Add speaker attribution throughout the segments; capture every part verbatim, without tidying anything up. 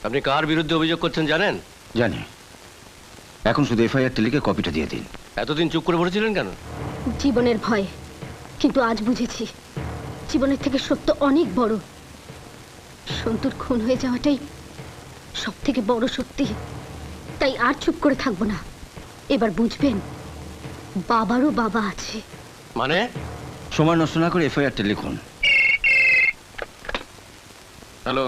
Speaker 1: আপনি কার বিরুদ্ধে অভিযোগ করছেন জানেন?
Speaker 2: জানি। এখন শুধু এফআইআর লিখে কপিটা দিয়ে দিন।
Speaker 1: এতদিন চুপ করে বসেছিলেন কেন?
Speaker 3: জীবনের ভয়, কিন্তু আজ বুঝেছি জীবনের থেকে সত্য অনেক বড়। সন্তুর খুন হয়ে যাওয়াটাই সব থেকে বড় সত্যি। তাই আর চুপ করে থাকবো না। এবার বুঝবেন বাবারও বাবা আছে।
Speaker 1: মানে?
Speaker 2: সময় নষ্ট না করে এফআইআরটা লিখুন।
Speaker 4: হ্যালো,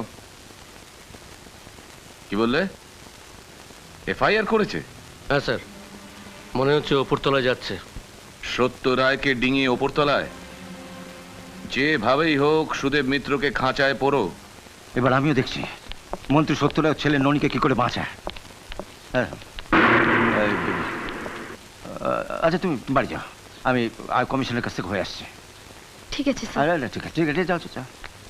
Speaker 4: কি বললে? এফআইআর করেছে?
Speaker 1: হ্যাঁ স্যার, মনে হচ্ছে ওপরতলায় যাচ্ছে।
Speaker 4: সত্য রায়কে ডিঙিয়ে ওপরতলায়? যেভাবেই হোক সুদেব মিত্রকে খাঁচায় পড়ো।
Speaker 2: এবার আমিও দেখছি মন্ত্রী সত্যরায় ছেলে ননীকে কি করে বাঁচায়। হ্যাঁ, আচ্ছা তুমি বাড়ি যাও, আমি আয় কমিশনের কাছ থেকে হয়ে আসছি।
Speaker 3: ঠিক আছে স্যার।
Speaker 2: আরে ঠিক আছে ঠিক আছে, যাও যাও।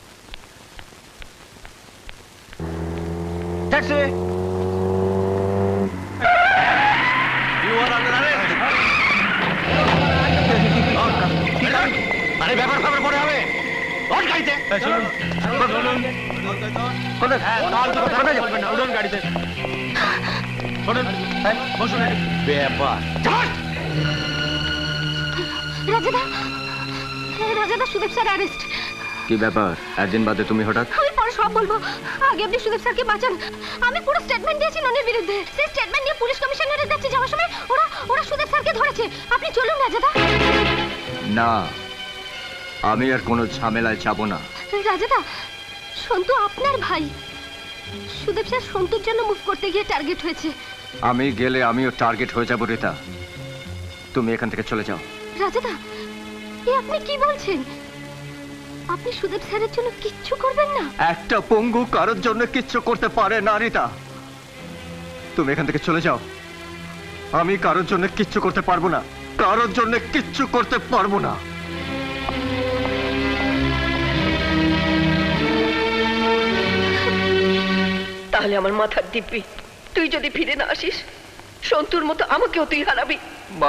Speaker 2: ট্যাক্সি!
Speaker 1: আরে ব্যাপার খবর পরে হবে। গাড়িতে ব্যাপার
Speaker 3: রাজাদা, রাজাদা, সুদেব স্যার অ্যারেস্ট।
Speaker 2: কি ব্যাপার একদিন বাদে তুমি হঠাৎ?
Speaker 3: আমি পরে সব বলবো, আগে আপনি সুদেব স্যারকে বাঁচান। আমি পুরো স্টেটমেন্ট দিয়েছি ননির বিরুদ্ধে। সেই স্টেটমেন্ট নিয়ে পুলিশ কমিশনারের কাছে যাওয়ার সময় ওরা ওরা সুদেব স্যারকে ধরেছে। আপনি চলুন রাজাদা।
Speaker 2: না, আমি আর কোনো ঝামেলায় যাব না।
Speaker 3: রাজাদা, সন্তু আপনার ভাই। সুদেব স্যার সন্তুর জন্য মুভ করতে গিয়ে টার্গেট হয়েছে।
Speaker 2: আমি গেলে আমিও টার্গেট হয়ে যাব রিতা। তুমি এখান থেকে চলে যাও।
Speaker 3: রাজাদা, এ আপনি কি বলছেন? আপনি সুদেব স্যারের জন্য কিচ্ছু করবেন না?
Speaker 2: একটা পঙ্গু কারোর জন্য কিচ্ছু করতে পারে না রিতা। তুমি এখান থেকে চলে যাও। আমি কারোর জন্য কিচ্ছু করতে পারবো না, কারোর জন্য কিচ্ছু করতে পারবো না।
Speaker 5: তাহলে আমার মাথার দিব্যি, তুই যদি ফিরে না আসিস সন্তুর মতো আমাকেও তুই হারাবি।
Speaker 2: মা,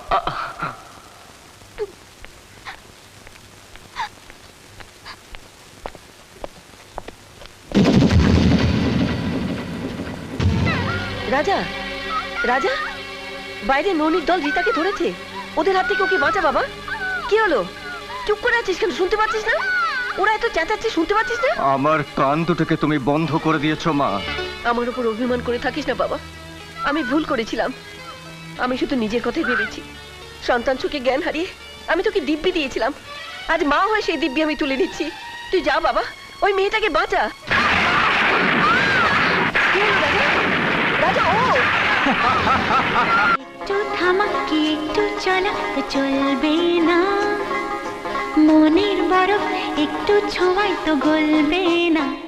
Speaker 5: রাজা, রাজা, বাইরে ননির দল রিতাকে ধরেছে। ওদের হাত থেকে ওকে বাঁচা বাবা। কি হলো? চুপ করে আছিস কেন? শুনতে পাচ্ছিস না? ওরা এত চেঁচাচ্ছে, শুনতে পাচ্ছিস না?
Speaker 2: আমার কান দুটোকে তুমি বন্ধ করে দিয়েছো মা।
Speaker 5: আমার উপর অভিমান করে থাকিস না বাবা। আমি ভুল করেছিলাম। আমি শুধু নিজের কথাই ভেবেছি। সন্তান সুখে জ্ঞান হারিয়ে আমি তোকে দিব্যি দিয়েছিলাম। আজ মা হয়ে সেই দিব্যি আমি তুলে নিচ্ছি। তুই যা বাবা, ওই মেয়েটাকে বাঁচা। রাজা, ও
Speaker 6: একটু থামাকি একটু চলা তো চলবে না, মনের বরফ একটু ছোঁয়াই তো গলবে না।